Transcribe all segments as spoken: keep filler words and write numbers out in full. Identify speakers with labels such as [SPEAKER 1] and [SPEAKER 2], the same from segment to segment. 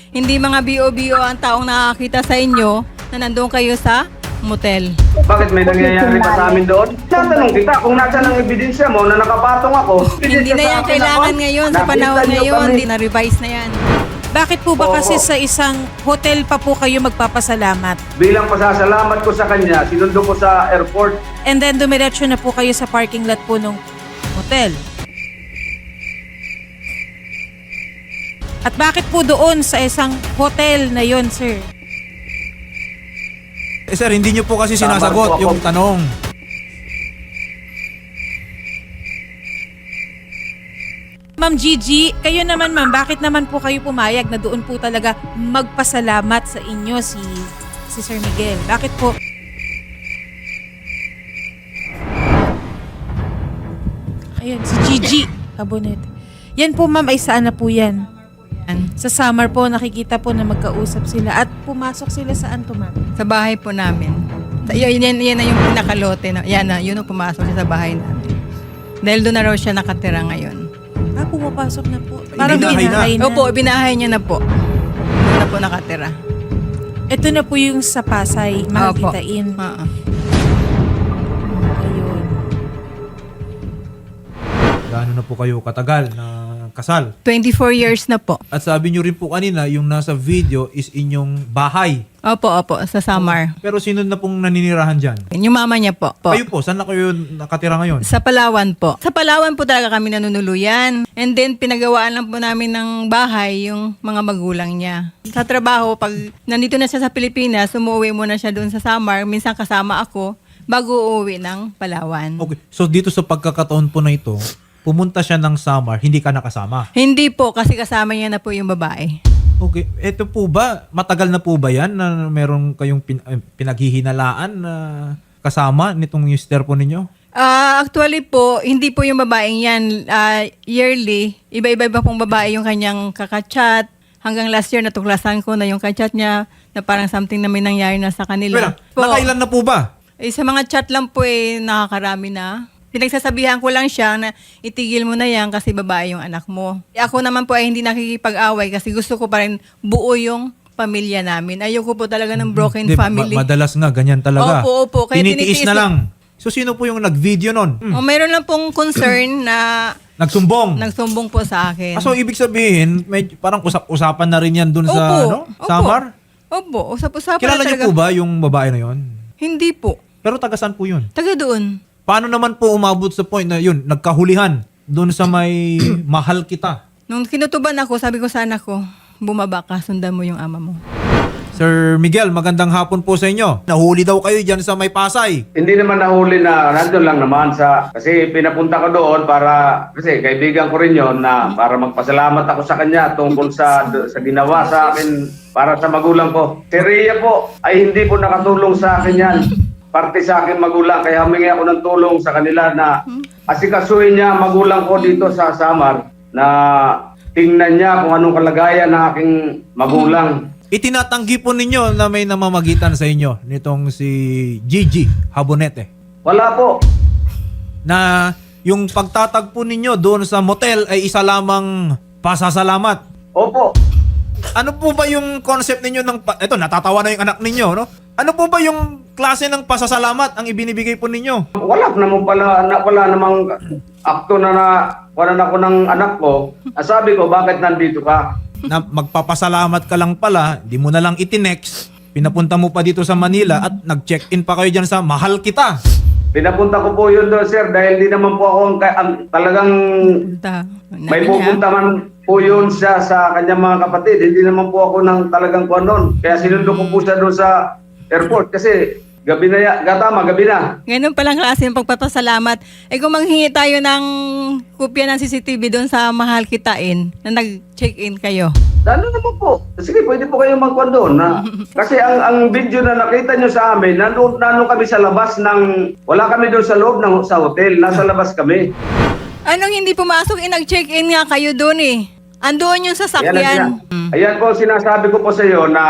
[SPEAKER 1] Hindi mga B O B O ang taong nakakita sa inyo na nandun kayo sa motel.
[SPEAKER 2] Bakit may nangyayari pa sa amin doon? Tatanong kita kung nasa ng ebidensya mo na nakapatong ako.
[SPEAKER 1] Hindi na yan kailangan ngayon, sa panahon ngayon, hindi na-revise na yan.
[SPEAKER 3] Bakit po ba
[SPEAKER 2] Oo.
[SPEAKER 3] kasi sa isang hotel pa po kayo magpapasalamat?
[SPEAKER 2] Bilang pasasalamat ko sa kanya, sinundo ko sa airport.
[SPEAKER 3] And then dumiretso na po kayo sa parking lot po ng hotel. At bakit po doon sa isang hotel na yon, sir?
[SPEAKER 4] Eh sir, hindi nyo po kasi
[SPEAKER 2] Tama
[SPEAKER 4] sinasagot
[SPEAKER 2] po ako.
[SPEAKER 4] yung tanong.
[SPEAKER 3] Ma'am Gigi, kayo naman ma'am, bakit naman po kayo pumayag na doon po talaga magpasalamat sa inyo si si Sir Miguel? Bakit po? Ayan, si Gigi Habonet. Yan po ma'am, ay saan na po yan?
[SPEAKER 1] Yan.
[SPEAKER 3] Sa summer po, nakikita po na magkausap sila at pumasok sila saan to ma'am?
[SPEAKER 1] Sa bahay po namin. Sa- Yun, yan, yan na yung pinakalote. No? Yan na, yun ang pumasok siya sa bahay namin. Dahil doon na raw siya nakatira ngayon.
[SPEAKER 3] Ah, pumapasok na po. Parang
[SPEAKER 4] Binahay na.
[SPEAKER 3] binahay na.
[SPEAKER 1] Opo, binahay niya na po. Doon na po nakatira.
[SPEAKER 3] Ito na po yung sa Pasay,
[SPEAKER 1] Opo.
[SPEAKER 3] makikitain.
[SPEAKER 1] Oo.
[SPEAKER 3] Ayun.
[SPEAKER 4] Gaano na po kayo katagal na kasal?
[SPEAKER 1] twenty-four years na po.
[SPEAKER 4] At sabi nyo rin po kanina, yung nasa video is inyong bahay.
[SPEAKER 1] Opo, opo, sa Samar.
[SPEAKER 4] Pero sino na pong naninirahan dyan?
[SPEAKER 1] Yung mama niya po. po.
[SPEAKER 4] Kayo po, saan na kayo nakatira ngayon?
[SPEAKER 1] Sa Palawan po. Sa Palawan po talaga kami nanunuluyan. And then, pinagawaan lang po namin ng bahay yung mga magulang niya. Sa trabaho, pag nandito na siya sa Pilipinas, umuwi muna siya doon sa Samar. Minsan kasama ako bago uuwi ng Palawan.
[SPEAKER 4] Okay, so dito sa pagkakataon po na ito, pumunta siya ng Samar, hindi ka nakasama.
[SPEAKER 1] Hindi po, kasi kasama niya na po yung babae.
[SPEAKER 4] Okay, eto po ba, matagal na po ba yan na meron kayong pin- eh, pinaghihinalaan na kasama nitong mister po ninyo?
[SPEAKER 1] Ah, actually po, hindi po yung babaeng yan. Ah, yearly, iba-iba pong babae yung kanyang kakachat. Hanggang last year, natuklasan ko na yung kachat niya na parang something na may nangyari na sa kanila.
[SPEAKER 4] Wala,
[SPEAKER 1] Po.
[SPEAKER 4] nakailan na po ba?
[SPEAKER 1] Eh, sa mga chat lang po eh, nakakarami na. Pinagsasabihan ko lang siya na itigil mo na yan kasi babae yung anak mo. Eh, ako naman po ay hindi nakikipag-away kasi gusto ko pa rin buo yung pamilya namin. Ayoko po talaga ng broken
[SPEAKER 4] Di, ma-
[SPEAKER 1] family.
[SPEAKER 4] madalas nga, ganyan talaga.
[SPEAKER 1] Opo, opo. Kaya
[SPEAKER 4] Tinitiis
[SPEAKER 1] tinitiis
[SPEAKER 4] na
[SPEAKER 1] na-
[SPEAKER 4] lang. So sino po yung nag-video nun? Hmm.
[SPEAKER 1] O, mayroon lang pong concern na
[SPEAKER 4] Nagsumbong.
[SPEAKER 1] nagsumbong po sa akin.
[SPEAKER 4] Ah, so ibig sabihin, may, parang usap-usapan na rin yan dun sa
[SPEAKER 1] Opo,
[SPEAKER 4] ano,
[SPEAKER 1] opo.
[SPEAKER 4] Samar?
[SPEAKER 1] Opo, usap-usapan
[SPEAKER 4] Kilala
[SPEAKER 1] na
[SPEAKER 4] niyo
[SPEAKER 1] talaga.
[SPEAKER 4] po ba yung babae na yon?
[SPEAKER 1] Hindi po.
[SPEAKER 4] Pero taga saan po yun?
[SPEAKER 1] Taga doon.
[SPEAKER 4] Paano naman po umabot sa point na yun, nagkahulihan doon sa may mahal kita?
[SPEAKER 1] Nung kinutuban ako, sabi ko sa anak ko, bumaba ka, sundan mo yung ama mo.
[SPEAKER 4] Sir Miguel, magandang hapon po sa inyo. Nahuli daw kayo dyan sa may Pasay.
[SPEAKER 2] Hindi naman nahuli na nandun lang naman sa... Kasi pinapunta ko doon para... Kasi kaibigan ko rin yon na para magpasalamat ako sa kanya tungkol sa sa ginawa sa akin para sa magulang ko. Si Rhea po ay hindi po nakatulong sa akin yan. Parte sa akin magulang. Kaya humingi ako ng tulong sa kanila na asikasuhin niya magulang ko dito sa Samar na tingnan niya kung anong kalagayan ng aking magulang.
[SPEAKER 4] Itinatanggi po ninyo na may namamagitan sa inyo nitong si Gigi Habonete.
[SPEAKER 2] Wala po.
[SPEAKER 4] Na yung pagtatagpo ninyo doon sa motel ay isa lamang pasasalamat.
[SPEAKER 2] Opo.
[SPEAKER 4] Ano po ba yung concept ninyo ng... Pa- Ito, natatawa na yung anak ninyo, no? Ano po ba yung klase ng pasasalamat ang ibinibigay po ninyo?
[SPEAKER 2] Wala naman pala, na, wala namang akto na na wala na ako ng anak ko. Ah, sabi ko, bakit nandito ka?
[SPEAKER 4] Na magpapasalamat ka lang pala, di mo na lang itinext, pinapunta mo pa dito sa Manila at nag-check-in pa kayo dyan sa Mahal Kita.
[SPEAKER 2] Pinapunta ko po yun doon, sir, dahil di naman po ako ang, ang talagang
[SPEAKER 1] Punta.
[SPEAKER 2] may
[SPEAKER 1] Nabi niya.
[SPEAKER 2] pupunta man po yun siya sa kanyang mga kapatid. Hindi naman po ako ng talagang kuwan noon. Kaya sinundo ko po siya doon sa airport kasi gabi na, ya- gatama, gabi na.
[SPEAKER 1] Ganun palang klase ng pagpapasalamat. Eh kung manghingi tayo ng kopya ng C C T V doon sa Mahal Kitain na nag-check-in kayo.
[SPEAKER 2] Ano naman po? Sige, pwede po kayong magkuhan doon. Na, kasi ang ang video na nakita nyo sa amin, nandun, nandun kami sa labas ng... Wala kami doon sa loob ng sa hotel. Nasa labas kami.
[SPEAKER 1] Anong hindi pumasok? Eh nag-check-in nga kayo doon eh. Andoon yung
[SPEAKER 2] Ayan,
[SPEAKER 1] sasakyan.
[SPEAKER 2] ayan. Ayan po, sinasabi ko po sa iyo na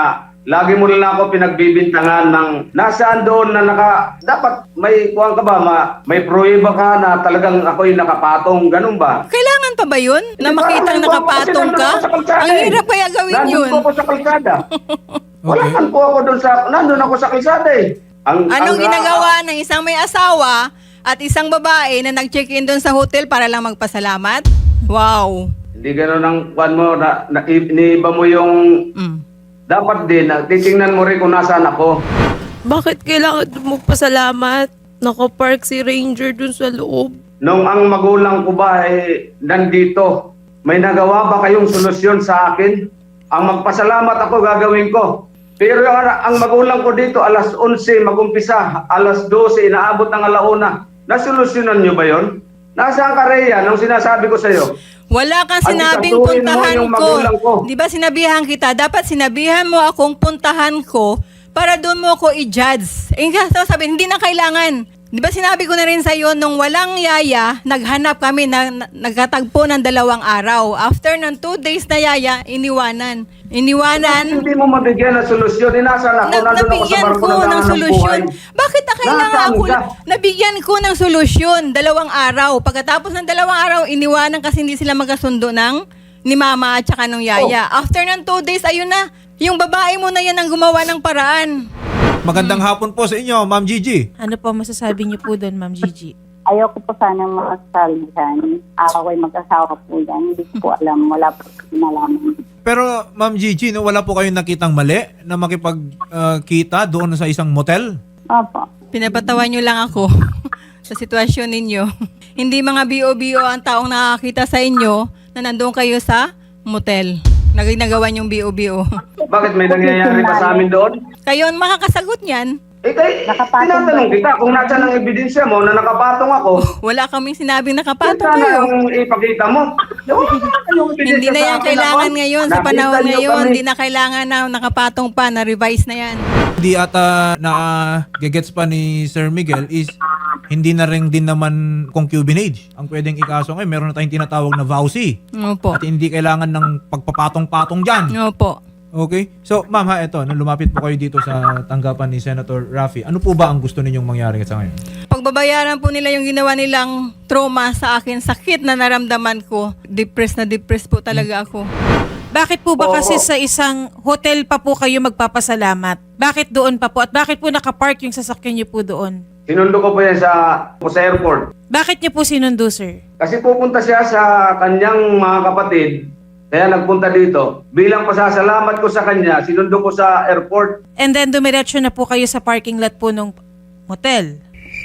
[SPEAKER 2] lagi mo na lang ako pinagbibintangan ng nasaan doon na naka, dapat may kuwang ka ba, ma, may pruweba ka na talagang ako'y nakapatong, ganun ba?
[SPEAKER 1] Kailangan pa ba yun? Na
[SPEAKER 2] Hindi,
[SPEAKER 1] makitang
[SPEAKER 2] parang nandun ako kasi
[SPEAKER 1] nakapatong ka?
[SPEAKER 2] nandun ako sa kalsada
[SPEAKER 1] Ang
[SPEAKER 2] eh.
[SPEAKER 1] hirap kaya gawin
[SPEAKER 2] Nandun
[SPEAKER 1] yun.
[SPEAKER 2] po ako sa kalsada. Wala
[SPEAKER 4] Okay.
[SPEAKER 2] man po ako doon sa, nandun ako sa kalsada eh. Ang,
[SPEAKER 1] Anong
[SPEAKER 2] ang-
[SPEAKER 1] ginagawa ng isang may asawa at isang babae na nag-check-in doon sa hotel para lang magpasalamat? Wow.
[SPEAKER 2] Hindi ganun ang kwan mo, na, na, iniiba mo yung,
[SPEAKER 1] Mm.
[SPEAKER 2] dapat din, na, titingnan mo rin kung nasaan ako.
[SPEAKER 5] Bakit kailangan magpasalamat? Nakapark si Ranger dun sa loob.
[SPEAKER 2] Nung ang magulang ko ba eh, nandito, may nagawa ba kayong solusyon sa akin? Ang magpasalamat ako gagawin ko. Pero ang, ang magulang ko dito, alas onse magumpisa, alas dose, inaabot ng alauna. Nasolusyonan nyo ba yon? Nasaan ka, Rhea, nung sinasabi ko sa'yo?
[SPEAKER 1] Wala kang
[SPEAKER 2] At
[SPEAKER 1] sinabing
[SPEAKER 2] ikatuloy mo
[SPEAKER 1] puntahan
[SPEAKER 2] yung
[SPEAKER 1] ko.
[SPEAKER 2] magulang ko.
[SPEAKER 1] Di ba sinabihan kita? Dapat sinabihan mo akong puntahan ko para doon mo ako i-judge. Eh, kasi sabi, hindi na kailangan. Di ba sinabi ko na rin sa iyo, nung walang yaya, naghanap kami, na, na- nagkatagpo ng dalawang araw. After ng two days na yaya, iniwanan. Iniwanan.
[SPEAKER 2] Hindi mo mabigyan ng solusyon. Inasaan ako,
[SPEAKER 1] Na,
[SPEAKER 2] nandun ako sa
[SPEAKER 1] nabigyan
[SPEAKER 2] barko
[SPEAKER 1] ko ng
[SPEAKER 2] naghahanap
[SPEAKER 1] solusyon.
[SPEAKER 2] buhay.
[SPEAKER 1] Bakit na kailangan
[SPEAKER 2] Nasaan
[SPEAKER 1] ako?
[SPEAKER 2] ka?
[SPEAKER 1] Nabigyan ko ng solusyon, dalawang araw. Pagkatapos ng dalawang araw, iniwanan kasi hindi sila magkasundo ng ni mama at saka nung yaya.
[SPEAKER 2] Oh.
[SPEAKER 1] After ng two days, ayun na. Yung babae mo na yan ang gumawa ng paraan.
[SPEAKER 4] Magandang hapon po sa inyo, Ma'am Gigi.
[SPEAKER 3] Ano po masasabi niyo po doon, Ma'am Gigi?
[SPEAKER 6] Ayoko po sanang makasalihan. Ako ay mag-asawa po yan. Hindi ko po alam. Wala po nalaman.
[SPEAKER 4] Pero Ma'am Gigi, no, wala po kayong nakitang mali na makipagkita doon sa isang motel?
[SPEAKER 6] Opo.
[SPEAKER 1] Pinapatawan nyo lang ako sa sitwasyon ninyo. Hindi mga B O B O ang taong nakakita sa inyo na nandoon kayo sa motel. Naginagawa yung B O B O.
[SPEAKER 2] Bakit may nangyayari pa sa amin doon?
[SPEAKER 1] Kayo ang makakasagot niyan.
[SPEAKER 2] Eh, kay,
[SPEAKER 6] Nakapatong
[SPEAKER 2] tinatanong
[SPEAKER 6] ba?
[SPEAKER 2] kita kung nasaan ang ebidensya mo na nakapatong ako.
[SPEAKER 1] Wala kaming sinabing nakapatong
[SPEAKER 2] Sana
[SPEAKER 1] kayo.
[SPEAKER 2] ang ipakita mo. Wala kayong ebidensya
[SPEAKER 1] Hindi na
[SPEAKER 2] sa
[SPEAKER 1] yan
[SPEAKER 2] akin
[SPEAKER 1] kailangan
[SPEAKER 2] ako.
[SPEAKER 1] ngayon sa
[SPEAKER 2] Nakita
[SPEAKER 1] panahon
[SPEAKER 2] niyo
[SPEAKER 1] ngayon.
[SPEAKER 2] kami.
[SPEAKER 1] Hindi na kailangan na nakapatong pa, na-revise na yan.
[SPEAKER 4] Hindi ata na gagets pa ni Sir Miguel is hindi na rin din naman concubinage ang pwedeng ikaso ngayon. Meron na tayong tinatawag na vowsy.
[SPEAKER 1] Opo.
[SPEAKER 4] At hindi kailangan ng pagpapatong-patong dyan.
[SPEAKER 1] Opo.
[SPEAKER 4] Okay? So, ma'am ha, eto, nung lumapit po kayo dito sa tanggapan ni Senator Raffy, ano po ba ang gusto ninyong mangyari sa ngayon?
[SPEAKER 1] Pagbabayaran po nila yung ginawa nilang trauma sa akin, sakit na naramdaman ko. Depressed na depressed po talaga ako.
[SPEAKER 3] Bakit po ba
[SPEAKER 2] Oo.
[SPEAKER 3] kasi sa isang hotel pa po kayo magpapasalamat? Bakit doon pa po? At bakit po nakapark yung sasakyan niyo po doon?
[SPEAKER 2] Sinundo ko po yan sa, po sa airport.
[SPEAKER 3] Bakit niyo po sinundo, sir?
[SPEAKER 2] Kasi pupunta siya sa kanyang mga kapatid. Kaya nagpunta dito. Bilang pasasalamat ko sa kanya, sinundo ko sa airport.
[SPEAKER 3] And then dumiretso na po kayo sa parking lot po ng hotel.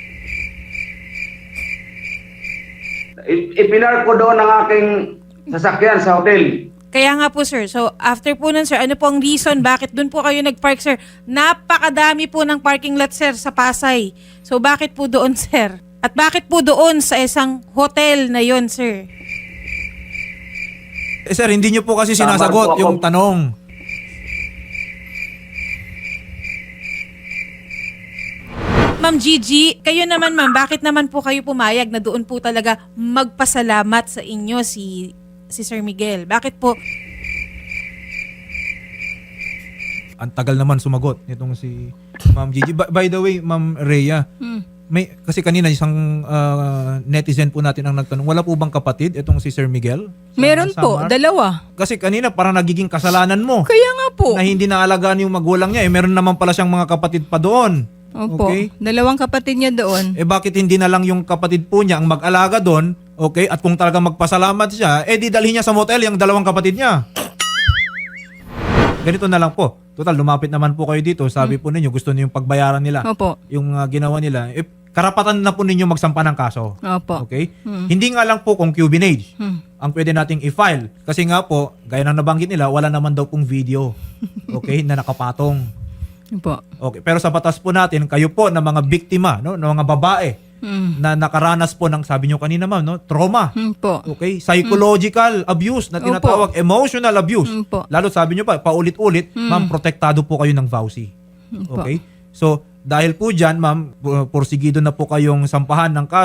[SPEAKER 2] I- Ipinark ko doon ang aking sasakyan sa hotel.
[SPEAKER 3] Kaya nga po, sir. So, after po nun, sir, ano po ang reason bakit doon po kayo nag-park, sir? Napakadami po ng parking lot, sir, sa Pasay. So, bakit po doon, sir? At bakit po doon sa isang hotel na yon, sir?
[SPEAKER 4] Eh sir, hindi nyo po kasi
[SPEAKER 2] Tama
[SPEAKER 4] sinasagot
[SPEAKER 2] po ako.
[SPEAKER 4] yung tanong.
[SPEAKER 3] Ma'am Gigi, kayo naman, ma'am, bakit naman po kayo pumayag na doon po talaga magpasalamat sa inyo si si Sir Miguel? Bakit po?
[SPEAKER 4] Ang tagal naman sumagot nitong si Ma'am Gigi. By, by the way, Ma'am Rhea,
[SPEAKER 1] Hmm.
[SPEAKER 4] may kasi kanina isang ah, netizen po natin ang nagtanong, wala po bang kapatid itong si Sir Miguel? Sa
[SPEAKER 1] Meron po,
[SPEAKER 4] Samar?
[SPEAKER 1] dalawa.
[SPEAKER 4] Kasi kanina parang nagiging kasalanan mo
[SPEAKER 1] Kaya nga po.
[SPEAKER 4] na hindi naalagaan yung magulang niya. Eh meron naman pala siyang mga kapatid pa doon.
[SPEAKER 1] Opo.
[SPEAKER 4] Okay?
[SPEAKER 1] Dalawang kapatid niya doon.
[SPEAKER 4] Eh bakit hindi na lang yung kapatid po niya ang mag-alaga doon? Okay? At kung talaga magpasalamat siya, eh di dalhin niya sa motel yung dalawang kapatid niya. Ganito na lang po. Total, lumapit naman po kayo dito. Sabi po ninyo, gusto niyo yung pagbayaran nila.
[SPEAKER 1] Opo.
[SPEAKER 4] Yung ah, ginawa nila. Eh, karapatan na po ninyo magsampa ng kaso.
[SPEAKER 1] Opo.
[SPEAKER 4] Okay?
[SPEAKER 1] Hmm.
[SPEAKER 4] Hindi nga lang po concubinage
[SPEAKER 1] Hmm.
[SPEAKER 4] ang pwede nating i-file. Kasi nga po, gaya ng nabanggit nila, wala naman daw pong video. Okay? Na nakapatong.
[SPEAKER 1] Opo.
[SPEAKER 4] Okay, pero sa batas po natin, kayo po na mga biktima, no, ng mga babae
[SPEAKER 1] Hmm.
[SPEAKER 4] na nakaranas po ng, sabi nyo kanina ma'am, no, trauma.
[SPEAKER 1] Hmm po.
[SPEAKER 4] Okay, psychological abuse na
[SPEAKER 1] Opo.
[SPEAKER 4] tinatawag, emotional abuse.
[SPEAKER 1] Hmm po.
[SPEAKER 4] Lalo sabi nyo pa, paulit-ulit,
[SPEAKER 1] Hmm.
[SPEAKER 4] ma'am, protektado po kayo ng vowsy.
[SPEAKER 1] Hmm po.
[SPEAKER 4] Okay? So, dahil po dyan, ma'am, pu- porsigido na po kayong sampahan ng kaso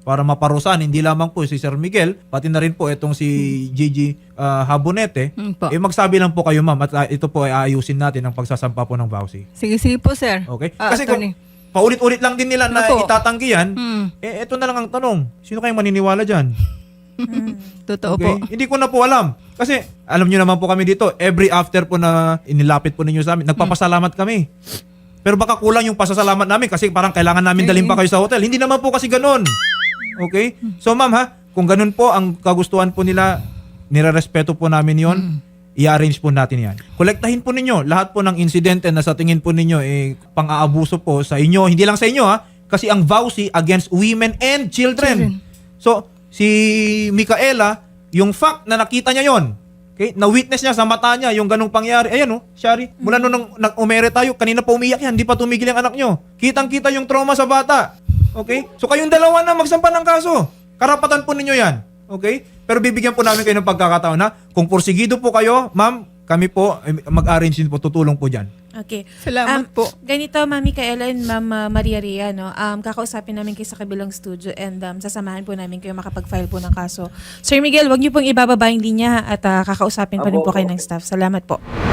[SPEAKER 4] para maparusahan hindi lamang po si Sir Miguel, pati na rin po itong si Gigi ah, Habonete,
[SPEAKER 1] Mm po.
[SPEAKER 4] eh magsabi lang po kayo ma'am at ah, ito po ay aayusin natin ang pagsasampa po ng vouchy.
[SPEAKER 1] Sige, sige po, sir.
[SPEAKER 4] Okay?
[SPEAKER 1] Ah,
[SPEAKER 4] Kasi kung
[SPEAKER 1] attorney.
[SPEAKER 4] paulit-ulit lang din nila na
[SPEAKER 1] Opo.
[SPEAKER 4] itatanggi yan,
[SPEAKER 1] Hmm,
[SPEAKER 4] eh ito na lang ang tanong. Sino kayong maniniwala dyan?
[SPEAKER 1] totoo
[SPEAKER 4] Okay?
[SPEAKER 1] po.
[SPEAKER 4] Hindi ko na po alam. Kasi alam niyo naman po kami dito, every after po na inilapit po ninyo sa amin, nagpapasalamat kami. Pero baka kulang yung pasasalamat namin kasi parang kailangan namin dalhin pa kayo sa hotel. Hindi naman po kasi ganun. Okay? So ma'am ha, kung ganun po ang kagustuhan po nila, nirerespeto po namin yon. I-arrange po natin yan. Kolektahin po ninyo lahat po ng insidente na sa tingin po ninyo eh, pang-aabuso po sa inyo. Hindi lang sa inyo ha, kasi ang vowsy against women and children. So, si Micaela, yung fact na nakita niya yon, okay, na-witness niya sa mata niya yung ganung pangyari. Ayan oh, Shari, mula nung nang- nag-umere tayo, kanina pa umiyak yan, hindi pa tumigil yung anak nyo. Kitang-kita yung trauma sa bata. Okay? So kayong dalawa na magsampa ng kaso. Karapatan po ninyo yan. Okay? Pero bibigyan po namin kayo ng pagkakataon na kung porsigido po kayo, ma'am, kami po eh, mag-arrange din po, tutulong po dyan.
[SPEAKER 3] Okay.
[SPEAKER 1] Salamat
[SPEAKER 3] Um,
[SPEAKER 1] po.
[SPEAKER 3] Ganito, Mami Kaela and Ma'am uh, Maria Rhea, no? Um, kakausapin namin kayo sa kabilang studio and um, sasamahan po namin kayo makapag-file po ng kaso. Sir Miguel, wag niyo pong ibababa yung linya at uh, kakausapin pa rin po kayo ng staff. Salamat po.